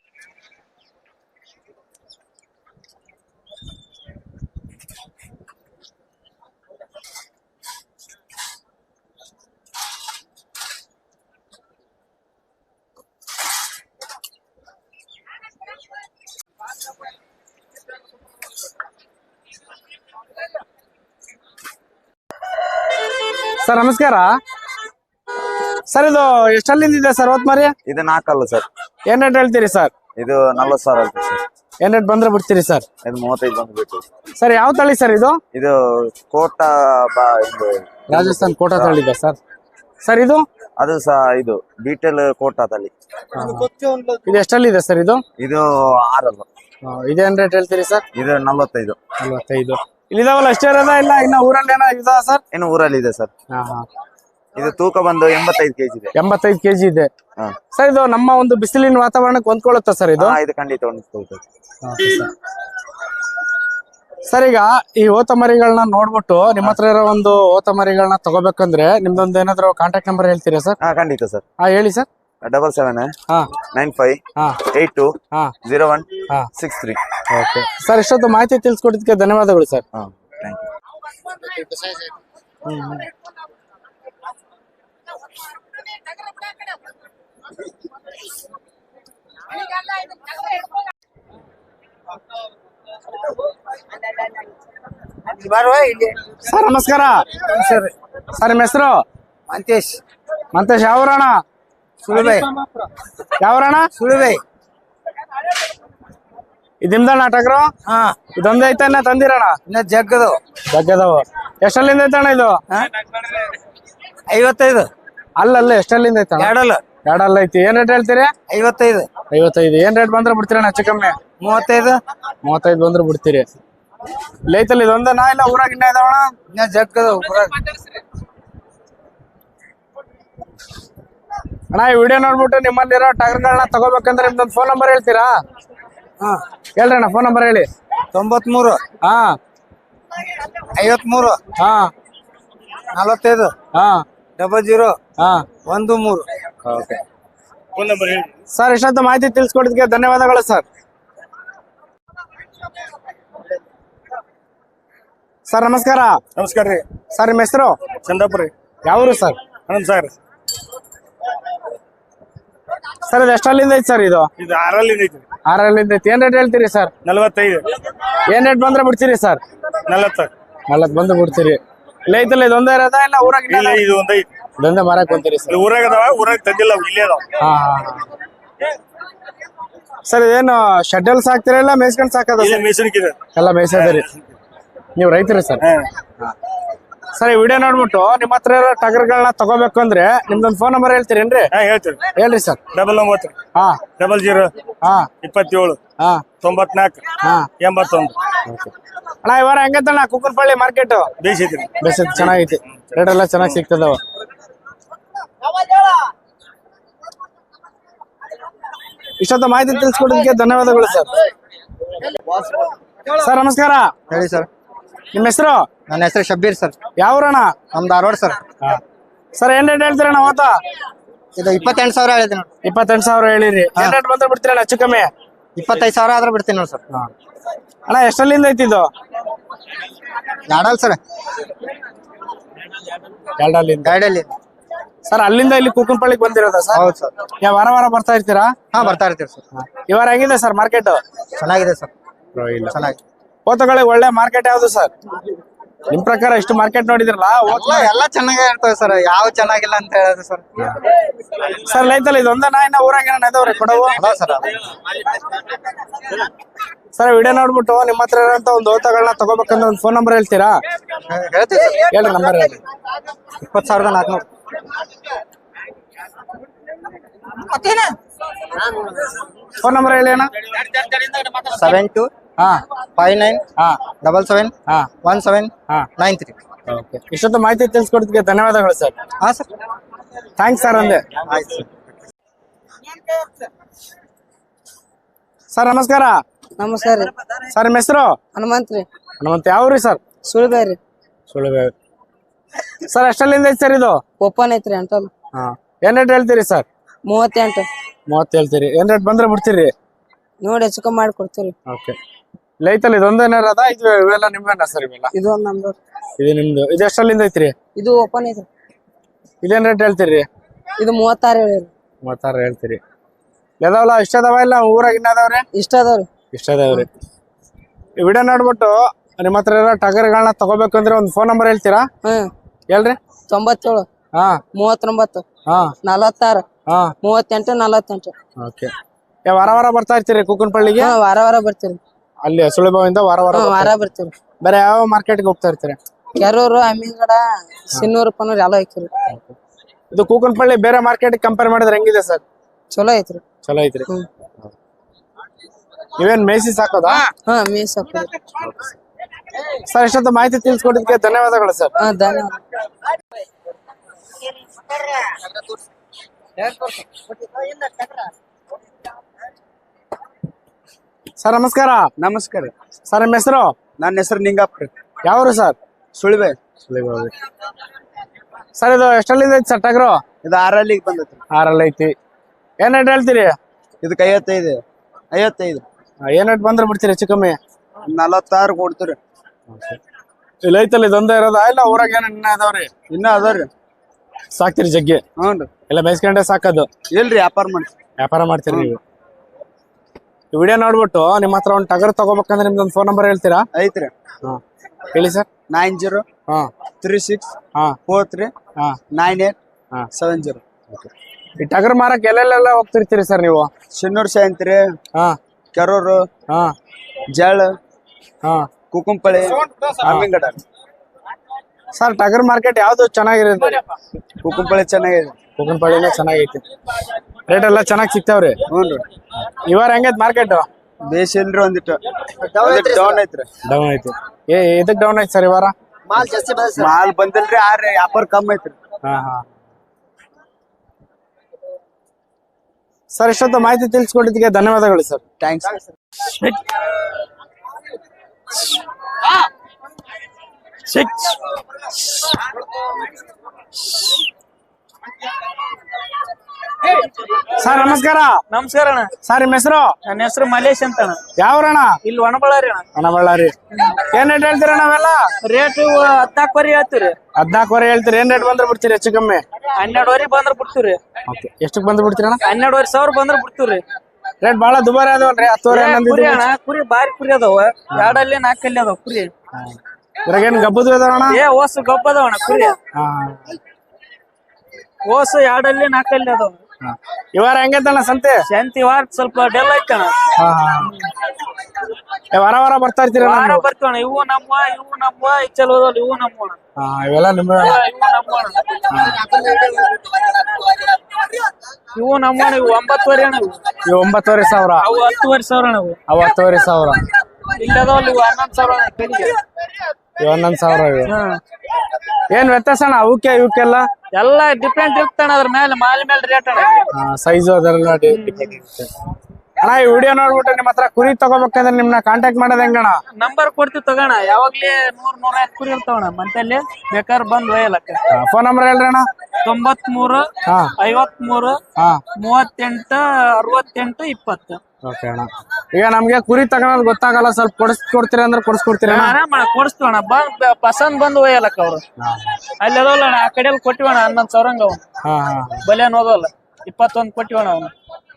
ಸರ್ ನಮಸ್ಕಾರ. ಸರ್ ಇದು ಎಷ್ಟಲ್ಲಿಂದ ಇದೆ ಸರ್ ಹೊತ್ ಮರಿ?
ಇದು 4 ಅಲ್ಲ ಸರ್.
ಏನ್ ರೇಟ್ ಹೇಳ್ತೀರಿ ಸರ್?
ಇದು 40,000 ಆಯ್ತು ಸರ್.
ಏನ್ ರೇಟ್ ಬಂದ್ರೆ ಬಿಡ್ತೀರಿ ಸರ್?
ಇದು 35 ಬಂದ್ಬಿಟ್ಟು.
ಸರ್ ಯಾವ ತಳಿ ಸರ್ ಇದು?
ಇದು ಕೋಟಾ ಇದು
ರಾಜಸ್ಥಾನ್ ಕೋಟಾ ತಳಿ ಇದೆ ಸರ್. ಸರ್ ಇದು?
ಅದು ಸಹ ಇದು ಬೀಟಲ್ ಕೋಟಾ ತಳಿ.
ಇದು ಎಷ್ಟಲ್ಲಿದೆ ಸರ್ ಇದು?
ಇದು 6 ಅಲ್ಲ.
ಇದೇನ್ ರೇಟ್ ಹೇಳ್ತೀರಿ ಸರ್?
ಇದು 45.
45. ಇಲ್ಲಿದಾವಲ್ಲ ಅಷ್ಟೇ ಇರೋದ ಇಲ್ಲ ಇನ್ನ ಊರಲ್ಲಿ ಏನೋ ಇದಾವ ಸರ್?
ಇನ್ನು ಊರಲ್ಲಿ ಇದೆ ಸರ್. ಇದು ತೂಕ ಬಂದು 85 kg ಇದೆ.
85 kg ಇದೆ.
ಹಾ.
ಸರ್ ಇದು ನಮ್ಮ ಒಂದು ಬಿಸಿಲಿನ ವಾತಾವರಣಕ್ಕೆ ಹೊಂದ್ಕೊಳ್ಳುತ್ತಾ ಸರ್ ಇದು?
ಹಾ, ಇದು ಖಂಡಿತ ಹೊಂದಿಸ್ಕೊಳ್ತದೆ.
ಸರ್ ಈಗ ಈ ಓತ ಮರಿಗಳನ್ನ ನೋಡ್ಬಿಟ್ಟು ನಿಮ್ಮ ಹತ್ರ ಇರೋ ಒಂದು ಓತ ಮರಿಗಳನ್ನ ತಗೋಬೇಕಂದ್ರೆ ನಿಮ್ದೊಂದು ಏನಾದ್ರು ಕಾಂಟ್ಯಾಕ್ಟ್ ನಂಬರ್ ಹೇಳ್ತೀರಾ ಸರ್?
ಹಾ, ಖಂಡಿತ ಸರ್.
ಹೇಳಿ ಸರ್.
77
ಹಾ
95
ಹಾ
82
ಹಾ
01
ಹಾ
63.
ಓಕೆ ಸರ್, ಇಷ್ಟೊತ್ತು ಮಾಹಿತಿ ತಿಳಿಸ್ಕೊಟ್ಟಿದ್ದಕ್ಕೆ ಧನ್ಯವಾದಗಳು ಸರ್.
ಹಾ, ಥ್ಯಾಂಕ್ ಯು.
ಸರ್ ನಮಸ್ಕಾರ. ಸರ್ ನಿಮ್ಮ ಹೆಸರು?
ಮಂತೇಶ್.
ಮಂತೇಶ್. ಯಾವೂರಣ?
ಸುಳುಬೆ.
ಯಾವೂರಣ?
ಸುಳುಬೆ.
ಇದು ನಿಮ್ದಣ್ಣ ಟಗರು?
ಹಾ,
ಇದೊಂದೇ ಐತೆ ಇನ್ನ ತಂದಿರಣ?
ಇನ್ನ ಜಗ್ಗದು
ಜಗ್ಗದವ. ಎಷ್ಟಲ್ಲಿಂದ ಐತಣ್ಣ ಇದು?
55.
ಅಲ್ಲಲ್ಲ ಎಷ್ಟಲ್ಲಿಂದ ಐತಣ್ಣ?
ಎರಡಲ್ಲ.
ಎರಡಲ್ಲ ಐತಿ. ಏನ್ ರೇಟ್ ಹೇಳ್ತೀರಿ?
55.
55. ಏನ್ ರೇಟ್ ಬಂದ್ರೆ ಬಿಡ್ತೀರಣ್ಣ ಹೆಚ್ಚು ಕಮ್ಮಿ?
35.
35 ಬಂದ್ರೆ ಬಿಡ್ತೀರಿ. ಲೈತಲ್ಲಿ ಇದೊಂದನಾ ಇಲ್ಲ ಊರಾಗ ಇನ್ನ ಇದಾವಣ?
ಇನ್ನ ಜಗ್ಗದು.
ಅಣ್ಣ ಈ ವಿಡಿಯೋ ನೋಡ್ಬಿಟ್ಟು ನಿಮ್ಮಲ್ಲಿರೋ ಟಗರ್ಗಳನ್ನ ತಗೋಬೇಕಂದ್ರೆ ನಿಮ್ದೊಂದು ಫೋನ್ ನಂಬರ್ ಹೇಳ್ತೀರಾ?
ಹಾ,
ಹೇಳ್ರಿ ಅಣ್ಣ ಫೋನ್ ನಂಬರ್ ಹೇಳಿ.
93
ಹಾ
53
ಹಾ
45
ಹಾ
00
ಹಾ
13.
ಸರ್ ಇಷ್ಟೊಂದು ಮಾಹಿತಿ ತಿಳಿಸ್ಕೊಟ್ಟಿದ್ದಕ್ಕೆ ಧನ್ಯವಾದಗಳು ಸರ್. ಸರ್ ನಮಸ್ಕಾರ.
ನಮಸ್ಕಾರ ರೀ.
ಸರ್ ನಿಮ್ಮ ಹೆಸರು?
ಚಂದಾಪುರ ರೀ.
ಯಾವೂರು ಸರ್?
ಆನಂದ್ ಸಾಗರ್.
ಸರ್ ಇದು ಎಷ್ಟಲ್ಲಿಂದ ಐತಿ ಸರ್ ಇದು?
ಇದು 6ರಲ್ಲಿ ಐತಿ.
6ಲ್ಲಿಂದ ಐತಿ. ಏನ್ ರೇಟ್ ಹೇಳ್ತೀರಿ ಸರ್?
45.
ಏನ್ ರೇಟ್ ಬಂದ್ರೆ ಬಿಡ್ತೀರಿ ಸರ್?
40.
40 ಬಂದು ಬಿಡ್ತೀರಿ. ಲೈತಲ್ಲಿ ಇದೊಂದೇ ಇರೋದಾ ಇಲ್ಲ ಊರಾಗ
ಇಲ್ಲ, ಇದು ಒಂದ್ ಐತಿ.
ಇದೊಂದೇ ಮಾರಕ್ ಬಂತೀರಿ ಸರ್?
ಇಲ್ಲಿ ಊರಾಗ ಅದಾವ, ಊರಾಗ ತಂದಿಲ್ಲ, ಅವು ಇಲ್ಲೇ ಅದಾವ.
ಹಾ ಸರ್ ಇದೇನು ಶೆಡ್ಯೂಲ್ ಸಾಕ್ತೀರಾ ಇಲ್ಲ ಮೇಯ್ಸ್ಕೊಂಡ್ ಸಾಕದ?
ಇಲ್ಲಿ ಮೆಷಿನ್ಗೆ ಇದೆ.
ಎಲ್ಲ ಮೇಯ್ಸೋದ್ರಿ. ನೀವು ರೈತರಿ ಸರ್? ಸರ್ ಈ ವಿಡಿಯೋ ನೋಡ್ಬಿಟ್ಟು ನಿಮ್ಮ ಹತ್ರ ಇರೋ ಟಗರ್ಗಳನ್ನ ತಗೋಬೇಕು ಅಂದ್ರೆ ನಿಮ್ದೊಂದು ಫೋನ್ ನಂಬರ್ ಹೇಳ್ತೀರೇನ್ರಿ?
ಹಾ, ಹೇಳ್ತೀರಿ.
ಹೇಳ್ರಿ ಸರ್.
99
ಹಾ
00
ಹಾ
27
ಹಾ
94
ಹಾ
81.
ಅಣ್ಣ ಈ ವಾರ ಹೆಂಗೈತಣ್ಣ ಕುಕ್ಕನಪಳ್ಳಿ ಮಾರ್ಕೆಟ್?
ಬೇಯಿಸಿದ್ರಿ.
ಬೇಸ್ ಚೆನ್ನಾಗೈತಿ. ರೇಟ್ ಎಲ್ಲ ಚೆನ್ನಾಗಿ ಸಿಗ್ತದವ. ಇಷ್ಟೊತ್ತ ಮಾಹಿತಿ ತಿಳಿಸ್ಕೊಡೋದಕ್ಕೆ ಧನ್ಯವಾದಗಳು ಸರ್. ಸರ್ ನಮಸ್ಕಾರ.
ಹೇಳಿ ಸರ್.
ನಿಮ್ಮ ಹೆಸರು?
ನನ್ನ ಹೆಸರು ಶಬ್ಬೀರ್ ಸರ್.
ಯಾವೂರಣ?
ನಮ್ದು ಧಾರವಾಡ ಸರ್.
ಸರ್ ಏನ್ ರೇಟ್ ಹೇಳ್ತೀರಣ್ಣ ಅವತ್ತ?
ಇದು 28,000 ಹೇಳಿದೆ ನೋಡಿ.
28,000 ಹೇಳಿರಿ. ಏನ್ ರೇಟ್ ಬಂದ್ರೆ ಬಿಡ್ತೀರಣ್ಣ ಹೆಚ್ಚು ಕಮ್ಮಿ?
25,000 ಆದ್ರೆ ಬಿಡ್ತೀನಿ ನೋಡಿ ಸರ್.
ಅಣ್ಣ ಎಷ್ಟಲ್ಲಿಂದ ಐತಿ ಇದು?
ಎರಡಲ್ಲ ಸರ್,
ಎರಡಲ್ಲಿಂದ.
ಗೈಡಲ್ಲಿ.
ಸರ್ ಅಲ್ಲಿಂದ ಇಲ್ಲಿ ಕುಕ್ಕನಪಳ್ಳಿಗೆ ಬಂದಿರೋದಾ ಸರ್?
ಹೌದು ಸರ್.
ಯಾವ ವಾರ ವಾರ ಬರ್ತಾ ಇರ್ತೀರಾ?
ಹಾ, ಬರ್ತಾ ಇರ್ತೀವಿ ಸರ್.
ಈ ವಾರ ಹೆಂಗಿದೆ ಸರ್ ಮಾರ್ಕೆಟ್?
ಚೆನ್ನಾಗಿದೆ ಸರ್, ಚೆನ್ನಾಗಿದೆ.
ಓತಗಳಿಗೆ ಒಳ್ಳೆ ಮಾರ್ಕೆಟ್ ಯಾವ್ದು ಸರ್ ನಿಮ್ ಪ್ರಕಾರ? ಇಷ್ಟು ಮಾರ್ಕೆಟ್ ನೋಡಿದ್ರಲ್ಲ,
ಎಲ್ಲ ಚೆನ್ನಾಗೇ ಇರ್ತವೆ ಸರ್, ಯಾವ ಚೆನ್ನಾಗಿಲ್ಲ ಅಂತ ಹೇಳೋದು ಸರ್.
ಸರ್ ಲೈತಲ್ಲಿ ಇದೊಂದ ನಾಯಿನ ಊರಾಗ ಏನ ಇದಾವ್ರಿ ಕೊಡವು?
ಅದ ಸರ್.
ಸರ್ ವಿಡಿಯೋ ನೋಡ್ಬಿಟ್ಟು ನಿಮ್ಮ ಹತ್ರ ಇರೋಂತ ಒಂದು ಓತಗಳನ್ನ ತಗೋಬೇಕಂದ್ರೆ ಒಂದು ಫೋನ್ ನಂಬರ್ ಹೇಳ್ತೀರಾ?
ಹೇಳ್ತೀವಿ ಸರ್.
ಹೇಳ್ರಿ ನಂಬರ್ ಹೇಳಿ.
20,400.
ಫೋನ್ ನಂಬರ್ ಹೇಳಿ ಅಣ್ಣ.
72
ಹಾ
59
ಹಾ
77
ಹಾ
17
ಹಾ
93.
ಇಷ್ಟೊತ್ತು ಮಾಹಿತಿ ತಿಳಿಸ್ಕೊಡೋದಕ್ಕೆ ಧನ್ಯವಾದಗಳು ಸರ್.
ಹಾ ಸರ್,
ಥ್ಯಾಂಕ್ಸ್ ಸರ್ ಅಂದೆ.
ಆಯ್ತು ಸರ್.
ಸರ್ ನಮಸ್ಕಾರ.
ನಮಸ್ಕಾರ ರೀ.
ಸರ್ ನಿಮ್ಮ ಹೆಸರು?
ಹನುಮಂತ್ ರೀ.
ಹನುಮಂತ. ಯಾವ್ರಿ ಸರ್?
ಸುಳ್ಬೇರಿ ರೀ.
ಸುಳ್ಳು. ಸರ್ ಎಷ್ಟಲ್ಲಿಂದ ಐತಿ ಸರ್ ಇದು?
ಓಪನ್ ಐತ್ರಿ ಅಂಟಲ್.
ಹಾ ಏನ್ ರೇಟ್ ಹೇಳ್ತೀರಿ ಸರ್?
38.
30 ಹೇಳ್ತೀರಿ. ಏನ್ ರೇಟ್ ಬಂದ್ರೆ ಬಿಡ್ತೀರಿ?
ನೋಡಿ ಹೆಚ್ಚು ಕಮ್ಮಿ ಮಾಡಿ ಕೊಡ್ತೀರಿ.
ಓಕೆ. ಲೈತಲ್ಲಿ ಇದೊಂದೇನಾರದ ಇವೆಲ್ಲ ನಿಮ್ವೇನ ಸರ್? ಇವೆಲ್ಲ
ಇದು ಒಂದ್ ನಮ್ದು.
ಇದು ನಿಮ್ದು. ಇದು ಎಷ್ಟಲ್ಲಿಂದ ಐತ್ರಿ?
ಇದು ಓಪನ್ ಐತ್ರಿ.
ಇದೇನ್ ರೇಟ್ ಹೇಳ್ತೀರಿ?
ಇದು 36 ಹೇಳಿರಿ.
36 ಹೇಳ್ತೀರಿ. ಇದಾವಲ್ಲ ಇಷ್ಟ ಅದಾವ ಇಲ್ಲ ಊರಾಗ ಇನ್ನ ಅದಾವ್ರಿ?
ಇಷ್ಟ ಅದಾವ್ರಿ.
ಇಷ್ಟ ಅದಾವ್ರಿ. ಈ ವಿಡಿಯೋ ನೋಡ್ಬಿಟ್ಟು ನಿಮ್ಮ ಹತ್ರ ಇರೋ ಟಗರ್ಗಳನ್ನ ತಗೋಬೇಕಂದ್ರೆ ಒಂದು ಫೋನ್ ನಂಬರ್ ಹೇಳ್ತೀರಾ? ಹೇಳ್ರಿ.
97
ಹಾ
39
ಹಾ
46
ಹಾ
38 48.
ಓಕೆ. ವಾರ ವಾರ ಬರ್ತಾ ಇರ್ತೀರಿ ಕುಕ್ಕನಪಳ್ಳಿಗೆ?
ಹಾ, ವಾರ ವಾರ ಬರ್ತೀರಿ.
ಅಲ್ಲಿ ಸುಳಿಭಾವಿಂದ ವಾರ ವಾರ
ವಾರ ಬರ್ತೀರಿ.
ಬೇರೆ ಯಾವ ಮಾರ್ಕೆಟ್ಗೆ ಹೋಗ್ತಾ ಇರ್ತೀರಿ?
ಕೆರೂರು, ಅಮ್ಮಿಗಡ, ಸಿನ್ನೂರು, ಪನ್ನೂರು ಎಲ್ಲ ಐತ್ರಿ.
ಇದು ಕುಕ್ಕನಪಳ್ಳಿ ಬೇರೆ ಮಾರ್ಕೆಟ್ ಕಂಪೇರ್ ಮಾಡಿದ್ರೆ ಹೆಂಗಿದೆ ಸರ್?
ಚಲೋ ಐತ್ರಿ.
ಚಲೋ ಐತ್ರಿ. ಇವೇನ್ ಮೇಸಿ ಸಾಕೋದಾ?
ಹಾ, ಮೀಸ್ ಹಾಕೋದು.
ಸರ್ ಇಷ್ಟೊತ್ತು ಮಾಹಿತಿ ತಿಳಿಸ್ಕೊಟ್ಟಿದ್ದಕ್ಕೆ ಧನ್ಯವಾದಗಳು ಸರ್.
ಹಾ, ಧನ್ಯವಾದ.
ಸರ್ ನಮಸ್ಕಾರ.
ನಮಸ್ಕಾರ.
ಸರ್ ನಿಮ್ಮ ಹೆಸರು?
ನನ್ನ ಹೆಸರು ನಿಂಗಪ್ಪ.
ಯಾವ್ರು ಸರ್?
ಸುಳಿವೆ.
ಸರ್ ಇದು ಎಷ್ಟಲ್ಲಿಂದ ಐತಿ ಸರ್ ಟಗರು?
ಇದು 6 ಬಂದೈತಿ.
6 ಐತಿ. ಏನ್ ರೇಟ್ ಹೇಳ್ತೀರಿ?
ಇದಕ್ಕೆ 55.
ಏನ್ ರೇಟ್ ಬಂದ್ರೆ ಬಿಡ್ತೀರಿ ಹೆಚ್ಚು ಕಮ್ಮಿ?
46 ಕೊಡ್ತೀರಿ.
ಇಲ್ಲಿ ಐತಲ್ಲ ಇದೊಂದೇ ಇರೋದ ಇಲ್ಲ ಊರಾಗ ಏನ ಇನ್ನ ಅದಾವ್ರಿ?
ಇನ್ನ ಅದಾವ್ರಿ.
ಸಾಕ್ತಿರಿ ಜಗ್ಗಿ?
ಹ್ಞೂ.
ಎಲ್ಲ ಬೇಯಿಸ್ಕೊಂಡೆ ಸಾಕೋದು?
ಇಲ್ರಿ, ವ್ಯಾಪಾರ
ಮಾಡ್ತೀರಿ ನೀವು? ಈ ವಿಡಿಯೋ ನೋಡ್ಬಿಟ್ಟು ನಿಮ್ಮ ಹತ್ರ ಒಂದು ಟಗರ್ ತಗೋಬೇಕಂದ್ರೆ ನಿಮ್ದೊಂದು ಫೋನ್ ನಂಬರ್ ಹೇಳ್ತೀರಾ?
ಐತ್ರಿ.
ಹೇಳಿ ಸರ್.
9036439870.
ಈ ಟಗರ್ ಮಾರಕ್ ಎಲ್ಲೆಲ್ಲ ಹೋಗ್ತಿರ್ತೀರಿ ಸರ್ ನೀವು?
ಶಿನ್ನೂರ್ ಸಾಯಂತ್ರಿ, ಕೆರೂರು, ಜಳ, ಕುಕುಂಪಳಿ, ಅಮ್ಮಿಂಗಡ.
ಸರ್ ಟಗರ್ ಮಾರ್ಕೆಟ್ ಯಾವ್ದು ಚೆನ್ನಾಗಿರುತ್ತೆ?
ಕುಕುಂಪಳಿ ಚೆನ್ನಾಗಿದೆ.
ಕುಕುಂಪಳಿನೇ ಚೆನ್ನಾಗೈತಿ. ರೇಟ್ ಎಲ್ಲ ಚೆನ್ನಾಗಿ ಸಿಗ್ತಾವ್ರಿ?
ಹ್ಞೂ ರೀ.
ಇವಾರ ಹೆಂಗೈತಿ ಮಾರ್ಕೆಟ್?
ಬೇಸ್ ಇಲ್ರಿ, ಒಂದಿಟ್ಟು ಡೌನ್ ಐತ್ರಿ.
ಡೌನ್ ಐತಿ. ಇದಕ್ ಡೌನ್ ಐತಿ ಸರ್ ಈ ವಾರ?
ಮಾಲ್ ಬಂದಿಲ್ರಿ, ಆದ್ರೆ ವ್ಯಾಪಾರ ಕಮ್ಮಿ ಐತ್ರಿ.
ಸರ್ ಇಷ್ಟೊತ್ತು ಮಾಹಿತಿ ತಿಳಿಸ್ಕೊಟ್ಟಿದ್ದಕ್ಕೆ ಧನ್ಯವಾದಗಳು ಸರ್.
ಥ್ಯಾಂಕ್ಸ್.
ಸರ್ ನಮಸ್ಕಾರ.
ನಮಸ್ಕಾರ ಅಣ್ಣ.
ಸರ್ ನಿಮ್ಮ ಹೆಸರು?
ನನ್ನ ಹೆಸರು ಮಲೇಶ್ ಅಂತ ಅಣ್ಣ.
ಯಾವ್ರಣ?
ಇಲ್ಲಿ ಒಣಬಳ್ಳಾರಿ ಅಣ್ಣ.
ಒಣಬಳ್ಳಾರಿ. ಏನ್ ರೇಟ್ ಹೇಳ್ತೀರ ನಾವೆಲ್ಲ?
ರೇಟ್ 14 ಹೇಳ್ತೀರಿ.
14 ಹೇಳ್ತೀರಿ. ಏನ್ ರೇಟ್ ಬಂದ್ರೆ ಬಿಡ್ತೀರಿ ಹೆಚ್ಚು ಕಮ್ಮಿ?
12 ಬಂದ್ರೆ ಬಿಡ್ತೀವ್ರಿ.
ಎಷ್ಟಕ್ ಬಂದ್ ಬಿಡ್ತೀರಣ್ಣ?
12,500 ಬಂದ್ರೆ ಬಿಡ್ತೀವ್ರಿ.
ರೇಟ್ ಬಾಳ ದುಬಾರಿ ಅದಾವಲ್ರಿ? 10,000
ಕುರಿ ಅಣ್ಣ, ಕುರಿ ಬಾರಿ ಕುರಿ ಅದಾವ. 2 4 ಅದಾವ ಕುರಿ.
ಇದ್ರಾಗ ಏನ್ ಗಬ್ಬದು ಅದಾವಣ್ಣ?
ಓಸು ಗಬ್ಬ ಅದಾವಣ್ಣ ಕುರಿ. ಓಸು 2 4 ಅದಾವ.
ಇವಾರ ಹೆಂಗೈತಣ್ಣ ಸಂತೆ?
ಶಾಂತಿ ವಾರ ಸ್ವಲ್ಪ ಡೆಲ್ ಐತಣ್ಣ.
ವಾರ ವಾರ ಬರ್ತಾ ಇರ್ತೀರ?
ಬರ್ತೀವಣ್ಣ. ಇವು ನಮ್ಮ ಚಲೋ ಇವು ನಮ್ಮ
ಇವೆಲ್ಲ ನಿಮ್ಮ
ಇವು 9,500 ಅಣ್ಣ.
ಇವು 9,500.
ಅವು 10,500 ಅಣ್ಣ.
ಅವು 10,500.
ಇಲ್ಲದವ್ ಇವು 11,000
ಇವು 11,000. ಏನ್ ವ್ಯತ್ಯಾಸ ಅಣ್ಣ ಅವಕ್ಕೆ ಇವಕ್ಕೆಲ್ಲ?
ಎಲ್ಲ ಡಿಪೆಂಡ್ ಇರ್ತಾನ ಅದ್ರ ಮೇಲೆ ಮಾಲ್ ಮೇಲೆ ರೇಟ್ ಅಣ್ಣ.
ಸೈಜು ಅದೆಲ್ಲ ಡಿಪೆಂಡ್ ಇರುತ್ತೆ ಅಣ್ಣ. ಈ ವಿಡಿಯೋ ನೋಡ್ಬಿಟ್ಟು ನಿಮ್ಮ ಹತ್ರ ಕುರಿ ತಗೋಬೇಕಂದ್ರೆ ನಿಮ್ನ ಕಾಂಟ್ಯಾಕ್ಟ್ ಮಾಡೋದ್ ಹೆಂಗಣ್ಣ?
ನಂಬರ್ ಕೊಡ್ತೀವಿ ತಗೋಣ. ಯಾವಾಗ್ಲೇ 100-105 ಕುರಿ ಇರ್ತಾವಣ್ಣ ಮಂತಲ್ಲಿ. ಬೇಕಾದ್ರೆ ಬಂದ್ ಒಯ್ಯಲಕ್ಕ.
ಫೋನ್ ನಂಬರ್ ಹೇಳ್ರಿ ಅಣ್ಣ.
93 53 38 68 20.
ಓಕೆ ಅಣ್ಣ. ಈಗ ನಮ್ಗೆ ಕುರಿ ತಗೊಳೋದ್ ಗೊತ್ತಾಗಲ್ಲ, ಸ್ವಲ್ಪ ಕೊಡ್ತೀರಾ ಅಂದ್ರೆ ಕೊಡಿಸ್ಕೊಡ್ತೀರ?
ಆರಾಮ ಕೊಡಿಸ್ತೀವಣ್ಣ. ಬಂದ್ ಪಸಂದ್ ಬಂದು ಒಯ್ಯಲಕ್ಕ ಅವ್ರು. ಅಲ್ಲಿ ಅದವಲ್ಲ ಆ ಕಡೆ ಕೊಟ್ಟಿವಣ್ಣ 11,000 ಅವ್ನು. ಬಲಿಯನ್ ಹೋದವಲ್ಲ 21 ಕೊಟ್ಟಿವಣ್ಣ ಅವನು.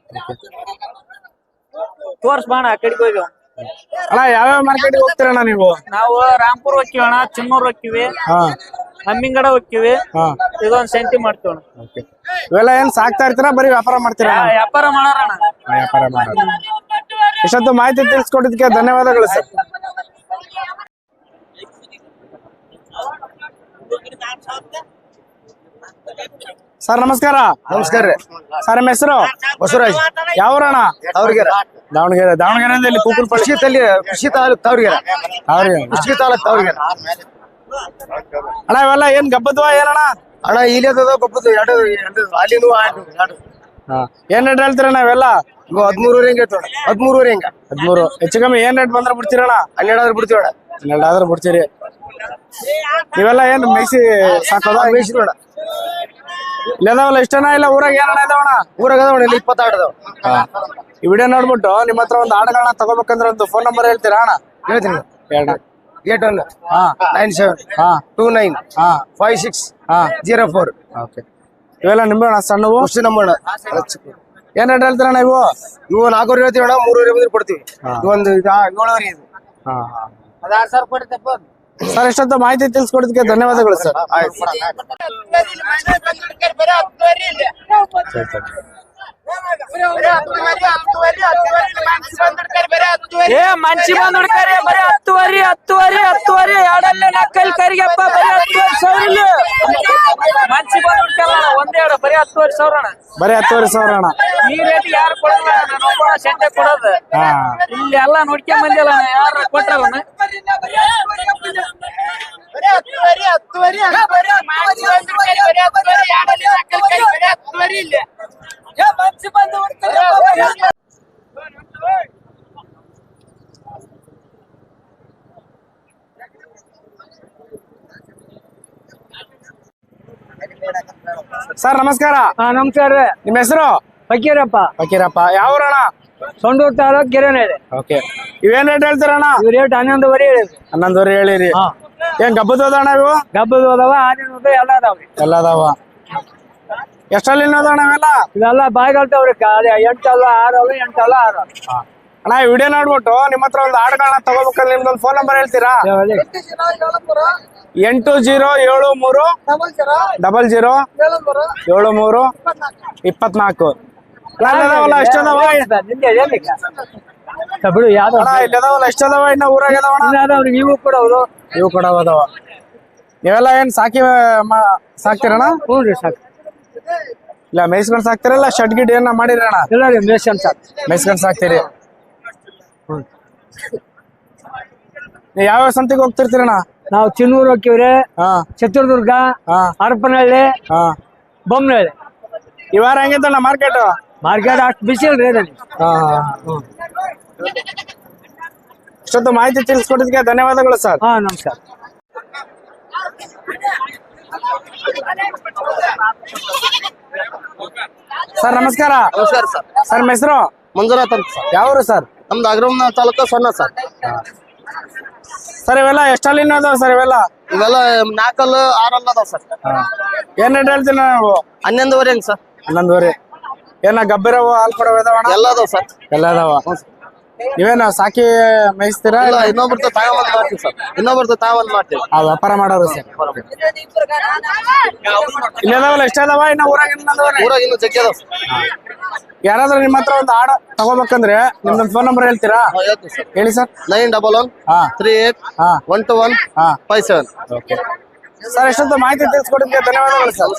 ತೋರ್ಸ್ ಬಾಣ ಆ ಕಡೆಗೆ ಹೋಗಿ.
ಅಣ್ಣ ಯಾವ್ಯಾವ ಮಾರ್ಕೆಟ್ಗೆ ಹೋಗ್ತೀರಣ್ಣ ನೀವು?
ನಾವು ರಾಂಪುರ್ ಹೋಗ್ತೀವಣ್ಣ, ಚಿನ್ನೂರ್ ಹೋಗ್ತೀವಿ, ಹಮ್ಮಿಂಗಡ ಹೋಗ್ತೀವಿ. ಇದೊಂದ್ ಸೆಂಟಿ ಮಾಡ್ತೀವಣ್ಣ.
ಇವೆಲ್ಲ ಏನ್ ಸಾಕ್ತಾ ಇರ್ತೀರಾ ಬರೀ ವ್ಯಾಪಾರ ಮಾಡ್ತೀರಾ?
ವ್ಯಾಪಾರ ಮಾಡೋಣ.
ವ್ಯಾಪಾರ ಮಾಡೋಣ. ಇಷ್ಟೊತ್ತು ಮಾಹಿತಿ ತಿಳಿಸ್ಕೊಟ್ಟಿದ್ದಕ್ಕೆ ಧನ್ಯವಾದಗಳು ಸರ್. ಸರ್ ನಮಸ್ಕಾರ.
ನಮಸ್ಕಾರ ರೀ.
ಸರ್ ನಿಮ್ಮ ಹೆಸರು?
ಬಸವರಾಜ್.
ಯಾವೂರಣ್ಣ?
ತಾವರ್ಗೆರೆ.
ದಾವಣಗೆರೆಯಿಂದ ಇಲ್ಲಿ ಕೂಕುಲ್ಪಳ್ಳಿ.
ಕೃಷಿ ತಾಲೂಕ್ ತಾವರ್ಗೆರೆ. ಕೃಷಿ ತಾಲೂಕ್ ತಾವರ್ಗೆರೆ.
ಅಣ್ಣ ಇವೆಲ್ಲ ಏನ್ ಗಬ್ಬದ್ವಾ ಏನಣ್ಣ?
ಅಣ್ಣ ಇಲ್ಲಿ ಗೊಬ್ಬದು 2 ಅಲ್ಲಿನೂ 2.
ಏನ್ ರೇಟ್ ಹೇಳ್ತೀರ ನಾವೆಲ್ಲ?
13 ಹೆಂಗೆ 13 ಹೆಂಗ
13. ಹೆಚ್ಚು ಕಮ್ಮಿ ಏನ್ ರೇಟ್ ಬಂದ್ರೆ ಬಿಡ್ತೀರಣ್ಣ?
12 ಆದ್ರೆ ಬಿಡ್ತೀವಣ್ಣ.
12 ಆದ್ರೆ ಬಿಡ್ತೀರಿ. ನೀವೆಲ್ಲ ಏನ್ ಮೇಯಿಸಿ ಸಾಕೋದ?
ಬೇಯಿಸಿದೋಣ.
ಇಲ್ಲದಾವಲ್ಲ ಇಷ್ಟನ ಇಲ್ಲ ಊರಾಗ ಏನಣ್ಣ ಇದಾವಣ?
ಊರಾಗ ಅದಾವಣ ಇಲ್ಲಿ 26 ಅದಾವ.
ಈ ವಿಡಿಯೋ ನೋಡ್ಬಿಟ್ಟು ನಿಮ್ಮ ಹತ್ರ ಒಂದು ಆಡುಗಳನ್ನ ತಗೋಬೇಕಂದ್ರೆ ಒಂದು ಫೋನ್ ನಂಬರ್ ಹೇಳ್ತೀರಾ ಅಣ್ಣ?
ಹೇಳ್ತೀನಿ.
ಹೇಳ.
8197295604.
ಓಕೆ. ಇವೆಲ್ಲ ನಿಂಬೆ ಅಣ್ಣ ಸಣ್ಣವು?
ಅಷ್ಟು ನಂಬೋಣ.
ಏನ್ ರೇಟ್ ಹೇಳ್ತೀರಣ್ಣ ಇವು?
ಇವು 4 ಹೇಳ್ತೀವಣ್ಣ, 3 ಬಂದ್ರೆ ಕೊಡ್ತೀವಿ. ಒಂದು 7 ಇದು.
ಅದು 6,000 ಕೊಡ್ತಪ್ಪ.
ಸರ್ ಇಷ್ಟೊತ್ತು ಮಾಹಿತಿ ತಿಳಿಸ್ಕೊಡೋದಕ್ಕೆ ಧನ್ಯವಾದಗಳು ಸರ್.
ಮಂಚಿ ಬಂದ್ ಹುಡ್ಕಾರೆ ಬರೀ 10,000 ಎರಡಲ್ಲೇ 4 ಕರಿಗಪ್ಪ ಬರೀ 10,000 ಮಂಚಿ ಬಂದ್ ಹುಡ್ಕಲ್ಲ ಒಂದೆರಡು ಬರೀ 10,000 ಅಣ್ಣ.
ಬರೀ 10,000 ಅಣ್ಣ.
ಈ ರೇಟ್ ಯಾರು ಕೊಡಲ್ಲ, ನಾನು ಒಬ್ಬ ಶಂಟೆ ಕೊಡೋದು. ಇಲ್ಲಿ ಎಲ್ಲಾ ನೋಡ್ಕೊಂಡ್ ಬಂದಿಲ್ಲ, ಯಾರು ಕೊಟ್ರಲ್ಲ.
ಸರ್ ನಮಸ್ಕಾರ.
ನಮಸ್ಕಾರ
ನಿಮ್ಮ ಹೆಸರು?
ಫಕೀರಪ್ಪ.
ಫಕೀರಪ್ಪ. ಯಾವ ಊರಣ್ಣ?
ಸೊಂಡೂರು ತಾಲೂಕ್ ಗೆರೆನಹಳ್ಳಿ.
ಓಕೆ. ಇವೇನ್ ರೇಟ್ ಹೇಳ್ತೀರಣ್ಣ?
ಇವ್ ರೇಟ್ 11.5 ಹೇಳಿದ್ರಿ.
11.5 ಹೇಳಿರಿ. ಏನ್ ಗಬ್ಬದ ಅಣ್ಣ ಇವು?
ಗಬ್ಬದ ಅದಾವ, ಆನಿನ ಎಲ್ಲ ಅದಾವ್ರಿ.
ಎಲ್ಲ ಅದಾವ. ಎಷ್ಟಲ್ಲಿ ಅಣ್ಣ ಇವೆಲ್ಲ?
ಇವೆಲ್ಲ ಬಾಯ್ಗಲ್ತಾವ್ರಿ. 8 ಅಲ್ಲ 6 ಅಲ್ಲ 8 ಅಲ್ಲ 6.
ಅಣ್ಣ ಈ ವಿಡಿಯೋ ನೋಡ್ಬಿಟ್ಟು ನಿಮ್ಮ ಹತ್ರ ಒಂದು ಆಡುಗಳನ್ನ ತಗೋಬೇಕಂದ್ರೆ ನಿಮ್ದೊಂದು ಫೋನ್ ನಂಬರ್ ಹೇಳ್ತೀರಾ? 8073007324.
ಬಿಡು ಯಾವ್ದು
ಇಲ್ಲದಾವಲ್ಲ ಎಷ್ಟದಾವ? ಇನ್ನ ಊರಾಗ ಅದಾವಣ್ಣ?
ಇವು ಕೂಡ ಅವರು
ಇವು ಕೂಡ ಅದಾವ. ನೀವೆಲ್ಲ ಏನ್ ಸಾಕ್ತಿರಣ್ಣ?
ಹ್ಞೂ ರೀ ಸಾಕು.
ಇಲ್ಲ ಮೇಯ್ಸ್ಕೊಂಡ್ ಸಾಕ್ತಿರಲ್ಲ ಶೆಡ್ ಗಿಡ್ ಏನ ಮಾಡಿರಣ್ಣ?
ಇಲ್ಲ ರೀ ಮೇಷನ್ ಸಾಕು.
ಮೇಯ್ಸ್ಕೊಂಡ್ ಸಾಕ್ತೀರಿ. ನೀವ್ ಯಾವ ಸಂತಿಗೆ ಹೋಗ್ತಿರ್ತೀರಣ್ಣ?
ನಾವು ಚಿನ್ನೂರು ಹೋಗ್ತೀವ್ರಿ,
ಹಾ
ಚಿತ್ರದುರ್ಗ,
ಹಾ
ಹರಪನಹಳ್ಳಿ,
ಹಾ.
ಬೊಮ್ಮನಹಳ್ಳಿ.
ಈ ವಾರ ಹೆಂಗಿತ್ತಣ್ಣ ಮಾರ್ಕೆಟ್?
ಮಾರ್ಕೆಟ್ ಅಷ್ಟು ಬಿಸಿ ಇಲ್ರಿ ಅದಲ್ಲಿ.
ಇಷ್ಟೊತ್ತು ಮಾಹಿತಿ ತಿಳಿಸ್ಕೊಟ್ಟಿದ್ದಕ್ಕೆ ಧನ್ಯವಾದಗಳು ಸರ್.
ಹಾ ನಮಸ್ಕಾರ.
ಸರ್ ನಮಸ್ಕಾರ.
ನಮಸ್ಕಾರ ಸರ್.
ಸರ್ ನಿಮ್ಮ ಹೆಸರು?
ಮಂಜುನಾಥ್ ಅಂತ ಸರ್.
ಯಾವ್ರು ಸರ್?
ನಮ್ದು ಅಗ್ರಮ ತಾಲೂಕು ಸೊನ್ನ ಸರ್.
ಸರ್ ಇವೆಲ್ಲ ಎಷ್ಟಲ್ಲಿ ಅದಾವ ಸರ್ ಇವೆಲ್ಲ?
ಇವೆಲ್ಲ 4 6 ಅದಾವ ಸರ್.
ಏನ್ ರೇಟ್ ಹೇಳ್ತೀನಿ ನಾವು?
11.5 ಸರ್.
11.5. ಏನ ಗಬ್ಬಿರವ ಹಾಲ್ ಕೊಡವ ಇದಾವಣ್ಣ?
ಎಲ್ಲ ಅದಾವ ಸರ್.
ಎಲ್ಲ ಅದಾವ. ನೀವೇನು ಸಾಕಿ ಮೇಯಿಸ್ತೀರಾ?
ಇಲ್ಲ ಇನ್ನೊಬ್ರದ್ದು ತಾವಂದ್ ಮಾಡ್ತೀವಿ ಸರ್. ಇನ್ನೊಬ್ರದ್ದು ತಾವಂದ್ ಮಾಡ್ತೀವಿ.
ಆ ವ್ಯಾಪಾರ ಮಾಡೋರು ಸರ್. ಇಲ್ಲಿ ಅದಾವಲ್ಲ ಎಷ್ಟ ಅದಾವ? ಇನ್ನ ಊರಾಗ
ಊರಾಗ ಇನ್ನು ಜಗ್ಗಿ ಅದಾವ ಸರ್.
ಯಾರಾದ್ರೂ ನಿಮ್ಮ ಹತ್ರ ಒಂದು ಆಡ ತಗೋಬೇಕಂದ್ರೆ ನಿಮ್ದೊಂದು ಫೋನ್ ನಂಬರ್ ಹೇಳ್ತೀರಾ?
ಹೇಳ್ತೀವಿ ಸರ್.
ಹೇಳಿ ಸರ್.
9138312157.
Okay sir. ಎಷ್ಟೊತ್ತು ಮಾಹಿತಿ ತಿಳಿಸ್ಕೊಟ್ಟಿದ್ದಕ್ಕೆ ಧನ್ಯವಾದಗಳು ಸರ್.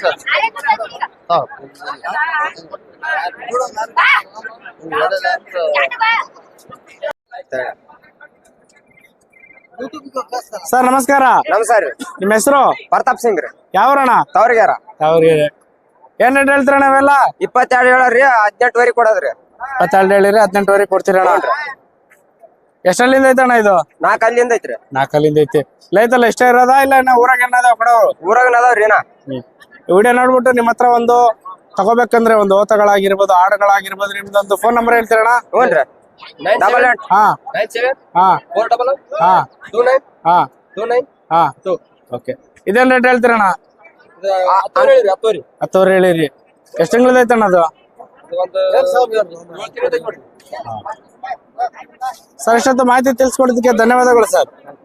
ಸರ್ ನಮಸ್ಕಾರ.
ನಮಸ್ಕಾರ.
ನಿಮ್ಮ ಹೆಸರು?
ಪ್ರತಾಪ್ ಸಿಂಗ್ ರೀ.
ಯಾವ್ರಣ್ಣ?
ತವರಿಗಾರ.
ಅವ್ರಿಗೆ ಏನ್ ರೇಟ್ ಹೇಳ್ತೀರಣ್ಣ ಇವೆಲ್ಲ?
22 ಹೇಳರಿ, 18ವರೆಗೆ ಕೊಡೋದ್ರಿ.
22 ಹೇಳಿರಿ, 18ವರೆಗೆ ಕೊಡ್ತೀರಣ್ಣ. ಎಷ್ಟಲ್ಲಿಂದ ಐತಣ್ಣ ಇದು?
4 ಅಲ್ಲಿಂದ ಐತ್ರಿ.
4 ಅಲ್ಲಿಂದ ಐತಿ. ಲೈತಲ್ಲ ಎಷ್ಟೇ ಇರೋದಾ ಇಲ್ಲ ಇನ್ನ ಊರಾಗ ಏನದಾವ ಕೊಡೋರು?
ಊರಾಗ ಅದಾವ್ರಿ.
ವಿಡಿಯೋ ನೋಡ್ಬಿಟ್ಟು ನಿಮ್ಮ ಹತ್ರ ಒಂದು ತಗೋಬೇಕಂದ್ರೆ ಒಂದು ಓತಗಳಾಗಿರ್ಬೋದು ಆಡುಗಳಾಗಿರ್ಬೋದು ನಿಮ್ದೊಂದು ಫೋನ್ ನಂಬರ್ ಹೇಳ್ತೀರಣ್ಣ?
ಹ್ಞೂನ್ರಿ. 88
ಹಾ
97
ಹಾ
400
ಹಾ
29
ಹಾ
29
ಹಾ. ಓಕೆ. ಇದೇನ್ ರೇಟ್ ಹೇಳ್ತೀರಣ್ಣ? 10 ಹೇಳಿರಿ. ಎಷ್ಟು ತಿಂಗಳದ ಐತಣ್ಣ ಅದು? ಸರ್ ಇಷ್ಟೊತ್ತು ಮಾಹಿತಿ ತಿಳಿಸ್ಕೊಡೋದಕ್ಕೆ ಧನ್ಯವಾದಗಳು ಸರ್.